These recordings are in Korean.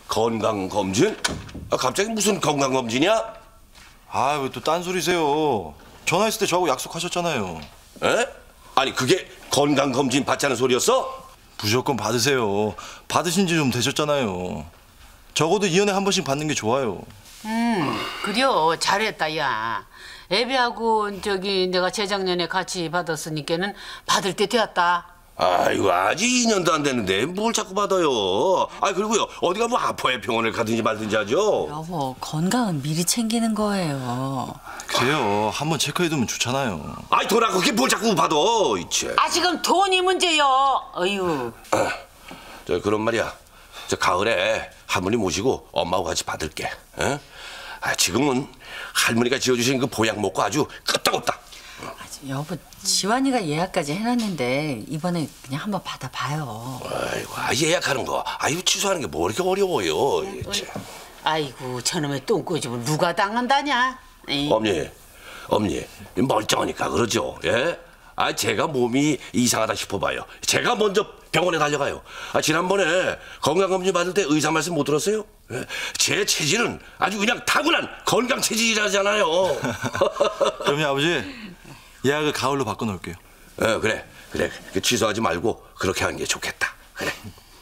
건강검진? 갑자기 무슨 건강검진이야? 아, 왜 또 딴소리세요? 전화했을 때 저하고 약속하셨잖아요. 에? 아니 그게 건강검진 받자는 소리였어? 무조건 받으세요. 받으신 지 좀 되셨잖아요. 적어도 2년에 한 번씩 받는 게 좋아요. 그래요. 잘했다, 야. 애비하고 내가 재작년에 같이 받았으니까는 받을 때 되었다. 아이고 아직 2년도 안 됐는데 뭘 자꾸 받아요. 아 그리고요 어디가 뭐 아파야 병원을 가든지 말든지 하죠. 여보, 건강은 미리 챙기는 거예요. 그래요. 한번 체크해두면 좋잖아요. 아이 돌아 그게 뭘 자꾸 받아. 이제. 아, 지금 돈이 문제요. 어휴. 저 그런 말이야. 저 가을에 할머니 모시고 엄마하고 같이 받을게. 에? 아, 지금은 할머니가 지어주신 그 보약 먹고 아주 끄떡없다. 여보, 지환이가 예약까지 해놨는데 이번에 그냥 한번 받아봐요. 아이고 예약하는 거 아이고 취소하는 게 뭐 이렇게 어려워요. 아이고 저놈의 똥꼬집을 누가 당한다냐. 에이. 엄니 멀쩡하니까 그러죠. 예? 아 제가 몸이 이상하다 싶어봐요. 제가 먼저 병원에 달려가요. 아 지난번에 건강검진 받을 때 의사 말씀 못 들었어요? 예? 제 체질은 아주 그냥 타고난 건강 체질이라잖아요. 그럼요, 아버지. 예약을 가을로 바꿔놓을게요. 그래 취소하지 말고 그렇게 하는 게 좋겠다. 그래.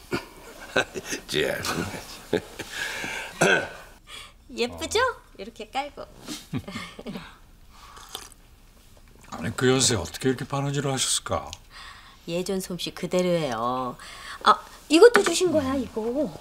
예쁘죠? 이렇게 깔고. 아니 그 연세 어떻게 이렇게 바느질을 하셨을까? 예전 솜씨 그대로예요. 아, 이것도 주신 거야, 이거.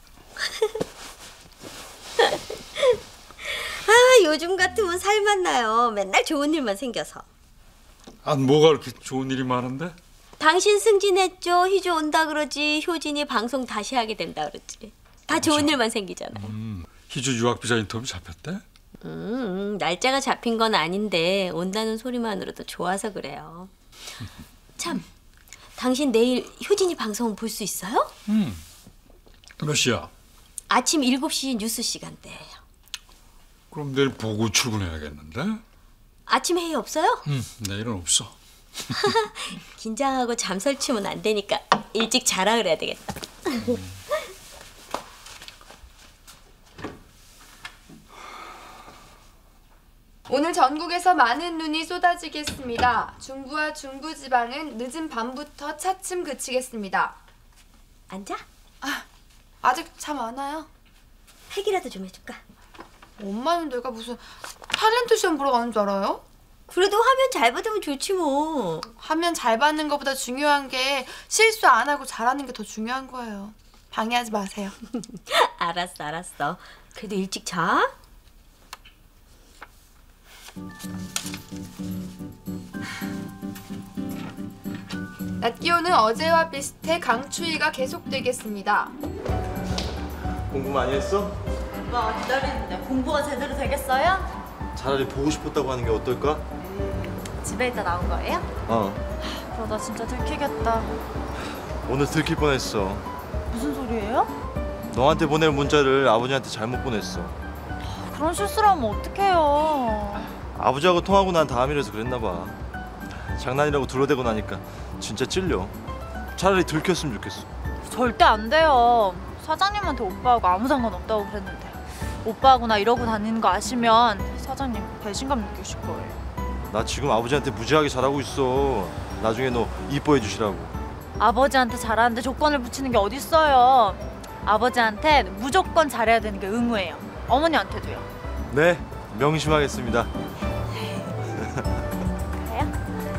아, 요즘 같으면 살만 나요. 맨날 좋은 일만 생겨서. 아 뭐가 그렇게 좋은 일이 많은데? 당신 승진했죠? 희주 온다 그러지. 효진이 방송 다시 하게 된다 그러지. 다 좋은 일만 생기잖아요. 희주 유학비자 인터뷰 잡혔대? 날짜가 잡힌 건 아닌데 온다는 소리만으로도 좋아서 그래요. 참, 당신 내일 효진이 방송 볼 수 있어요? 몇 시야? 아침 7시 뉴스 시간대예요. 그럼 내일 보고 출근해야겠는데? 아침 회의 없어요? 내일은 없어. 긴장하고 잠 설치면 안 되니까 일찍 자라 그래야 되겠다. 오늘 전국에서 많은 눈이 쏟아지겠습니다. 중부와 중부지방은 늦은 밤부터 차츰 그치겠습니다. 앉아? 아직 잠 안 와요? 핵이라도 좀 해줄까? 엄마는 내가 무슨 탤런트 시험 보러 가는 줄 알아요? 그래도 화면 잘 받으면 좋지 뭐. 화면 잘 받는 것보다 중요한 게 실수 안 하고 잘하는 게 더 중요한 거예요. 방해하지 마세요. 알았어. 그래도 일찍 자. 낮 기온은 어제와 비슷해 강추위가 계속되겠습니다. 공부 많이 했어? 오빠 기다리는데 공부가 제대로 되겠어요? 차라리 보고 싶었다고 하는 게 어떨까? 집에 있다 나온 거예요? 그러다 진짜 들키겠다. 오늘 들킬 뻔했어. 무슨 소리예요? 너한테 보낼 문자를 아버지한테 잘못 보냈어. 그런 실수를 하면 어떡해요. 아버지하고 통하고 난 다음이라서 그랬나 봐. 장난이라고 둘러대고 나니까 진짜 찔려. 차라리 들켰으면 좋겠어. 절대 안 돼요. 사장님한테 오빠하고 아무 상관없다고 그랬는데 오빠하고 나 이러고 다니는 거 아시면 사장님 배신감 느끼실 거예요. 나 지금 아버지한테 무지하게 잘하고 있어. 나중에 너 이뻐해 주시라고. 아버지한테 잘하는데 조건을 붙이는 게 어딨어요. 아버지한테 무조건 잘해야 되는 게 의무예요. 어머니한테도요. 네, 명심하겠습니다. 그래요?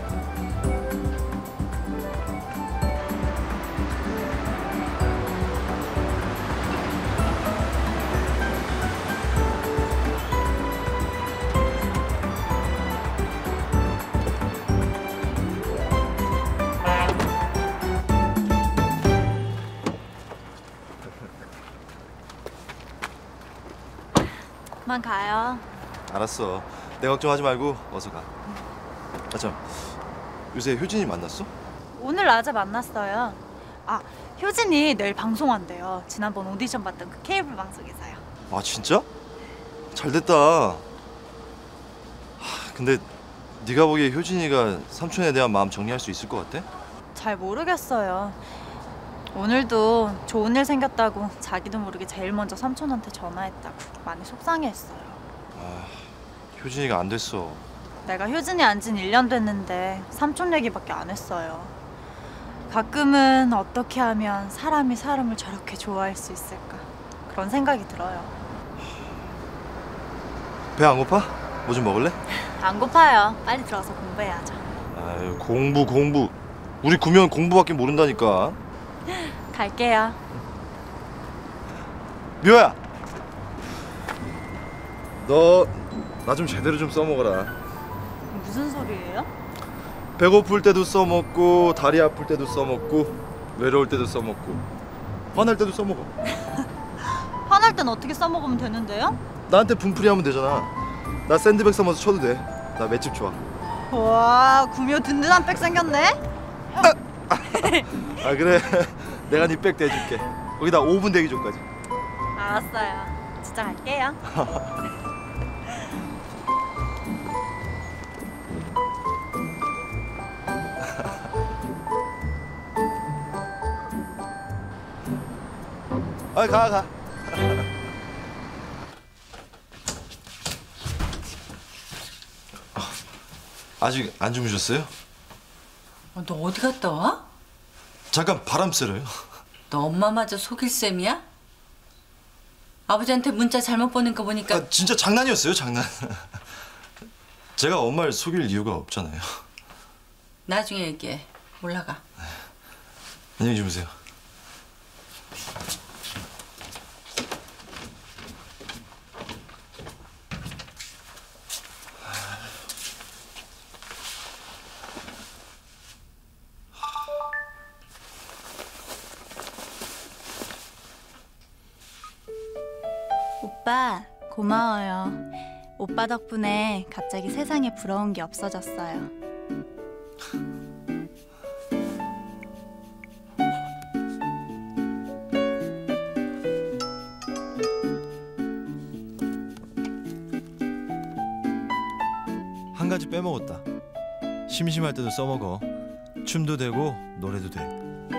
그만 가요. 알았어. 내 걱정하지 말고 어서 가. 참, 요새 효진이 만났어? 오늘 낮에 만났어요. 아, 효진이 내일 방송한대요. 지난번 오디션 봤던 그 케이블 방송에서요. 아 진짜? 잘 됐다. 근데 네가 보기에 효진이가 삼촌에 대한 마음 정리할 수 있을 것 같아? 잘 모르겠어요. 오늘도 좋은 일 생겼다고 자기도 모르게 제일 먼저 삼촌한테 전화했다고 많이 속상해했어요. 효진이가 안 됐어. 내가 효진이 안 진 1년 됐는데 삼촌 얘기밖에 안 했어요. 가끔은 어떻게 하면 사람이 사람을 저렇게 좋아할 수 있을까 그런 생각이 들어요. 배 안 고파? 뭐 좀 먹을래? 안 고파요. 빨리 들어가서 공부해야죠. 아유, 공부. 우리 구면 공부밖에 모른다니까. 갈게요. 미호야, 너 나 좀 제대로 좀 써먹어라. 무슨 소리예요? 배고플 때도 써먹고, 다리 아플 때도 써먹고, 외로울 때도 써먹고, 화날 때도 써먹어. 화날 땐 어떻게 써먹으면 되는데요? 나한테 분풀이 하면 되잖아. 나 샌드백 삼아서 쳐도 돼. 나 맷집 좋아. 와, 구미호 든든한 백 생겼네? 아 그래, 내가 네 백 대줄게. 거기다 5분 대기조까지. 알았어요. 진짜 갈게요. 가. 아직 안 주무셨어요? 너 어디 갔다 와? 잠깐 바람 쐬러요. 너 엄마마저 속일 셈이야? 아버지한테 문자 잘못 보낸 거 보니까 아, 진짜 장난이었어요, 장난. 제가 엄마를 속일 이유가 없잖아요. 나중에 얘기해. 올라가. 안녕히 주무세요. 오빠, 고마워요. 오빠 덕분에 갑자기 세상에 부러운 게 없어졌어요. 한 가지 빼먹었다. 심심할 때도 써먹어. 춤도 되고 노래도 돼.